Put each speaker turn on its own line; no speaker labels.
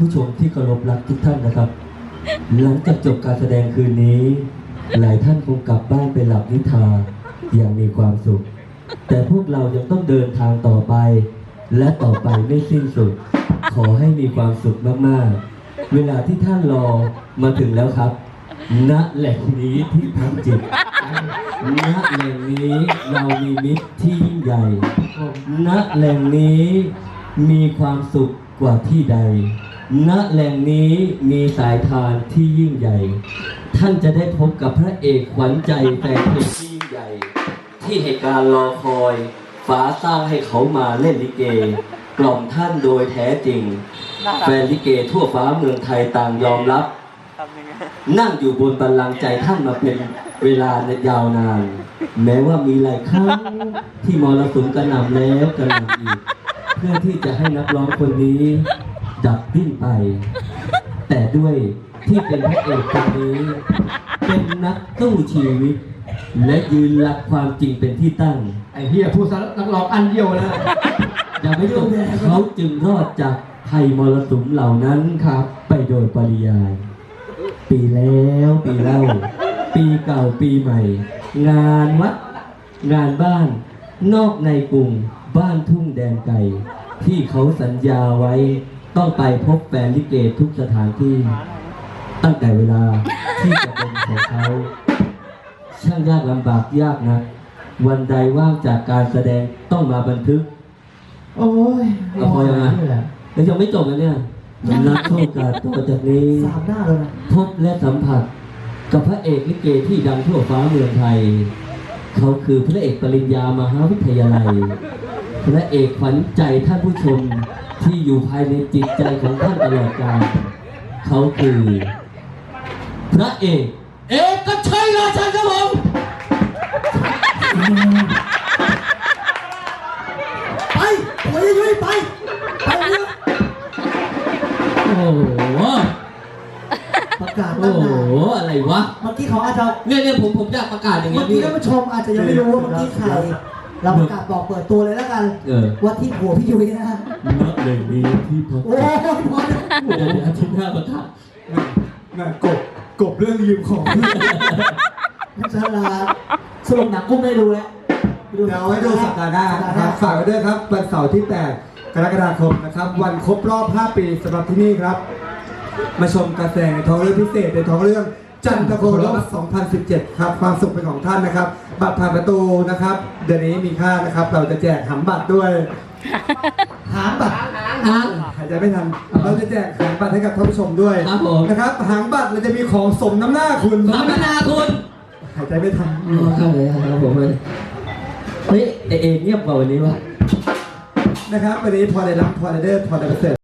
ผู้ชมที่เคารพรักทุกท่านนะครับหลังจากจบการแสดงคืนนี้หลายท่านคงกลับบ้านไปหลับนิทราอย่างมีความสุขแต่พวกเรายังต้องเดินทางต่อไปและต่อไปไม่สิ้นสุดขอให้มีความสุขมากๆเวลาที่ท่านรอมาถึงแล้วครับณแหล่งนี้ที่พักจิตณแหล่งนี้เรามีมิตรที่ยิ่งใหญ่ณแหล่งนี้มีความสุขกว่าที่ใดณแหล่งนี้มีสายทานที่ยิ่งใหญ่ท่านจะได้พบกับพระเอกขวัญใจแฟนเพลงที่ยิ่งใหญ่ที่ให้การรอคอยฟ้าสร้างให้เขามาเล่นลิเกกล่อมท่านโดยแท้จริงแฟนลิเกทั่วฟ้าเมืองไทยต่างยอมรับนั่งอยู่บนบัลลังก์ใจท่านมาเป็นเวลายาวนานแม้ว่ามีหลายครั้งที่มรสุมกระหน่ำแล้วกระหน่ำอีกเพื่อที่จะให้นักร้องคนนี้ดับดิ้นไปแต่ด้วยที่เป็นพระเอกคนนี้เป็นนักสู้ชีวิตและยืนหลักความจริงเป็นที่ตั้ง
ไอ้เฮียพูดซะนักร้องอันเดียวนะ
อย่าไม่จบเขาจึงรอดจากภัยมรสุมเหล่านั้นครับไปโดยปริยายปีแล้วปีเล่าปีเก่าปีใหม่งานวัดงานบ้านนอกในกรุงบ้านทุ่งแดนไก่ที่เขาสัญญาไว้ต้องไปพบแฟนลิเกทุกสถานที่ตั้งแต่เวลาที่จะเป็นของเขาช่างยากลำบากยากนะวันใดว่างจากการแสดงต้องมาบันทึก
โอ้ย
ก็พอยังไงแล้วยังไม่จบนะเนี่ยนักโชคการต่อจากนี้
3 หน้าเลยนะ
พบและสัมผัสกับพระเอกลิเกที่ดังทั่วฟ้าเมืองไทยเขาคือพระเอกปริญญามหาวิทยาลัยพระเอกขวัญใจท่านผู้ชมที่อยู่ภายในจิตใจของท่านตลอดกาลเขาคือพระเอกก็ใช่ราชันครับผม
ไปโอ้ยยุ้ยไป
โอ้โห
ประกาศ
โอ้โหอะไรวะ
เมื่อกี้เขาอาจจะ
เนี่ยผมอยากประกาศอย่างเงี้ย
พี่ท่านผู้ชมอาจจะยังไม่รู้ว่าเมื่อกี้ใครเราประกาศบอกเปิดตัวเลยแล้วกันว่าที่หัวพี่ยุ้ยนะ
ณแหล่งนี้ที่พัก
โอ้ยพอ
แล้วเดี๋ยวอาทิตย์หน้าประกาศ
น่ะกบเรื่องยืมของพี่ฉลาดสรุปหนังกุ้งได้ดูแล้ว
เดี๋ยวไว้ดูสัปดาห์หน้าครับฝากไว้ด้วยครับวันเสาร์ที่ 8 กรกฎาคมนะครับวันครบรอบ 5 ปีสำหรับที่นี่ครับมาชมการแสดงในท้องเรื่องพิเศษในท้องเรื่องจันทโครบ2017 ครับความสุขเป็นของท่านนะครับบัตรผ่านประตูนะครับเดือนนี้มีค่านะครับเราจะแจกหางบัตรด้วย
หางบัตร
หายใจไม่ทันเราจะแจกหางบัตรให้กับท่านผู้ชมด้วยนะครับหางบัตรเราจะมีของสมน้ำหน้าคุณหายใจไม่ทัน
เข้าเลยครับผมเลยเฮ้ยเอเงียบกว่าวันนี้วะ
นะครับวันนี้พอได้รับพอได้เดอร์พอได้เสร็จ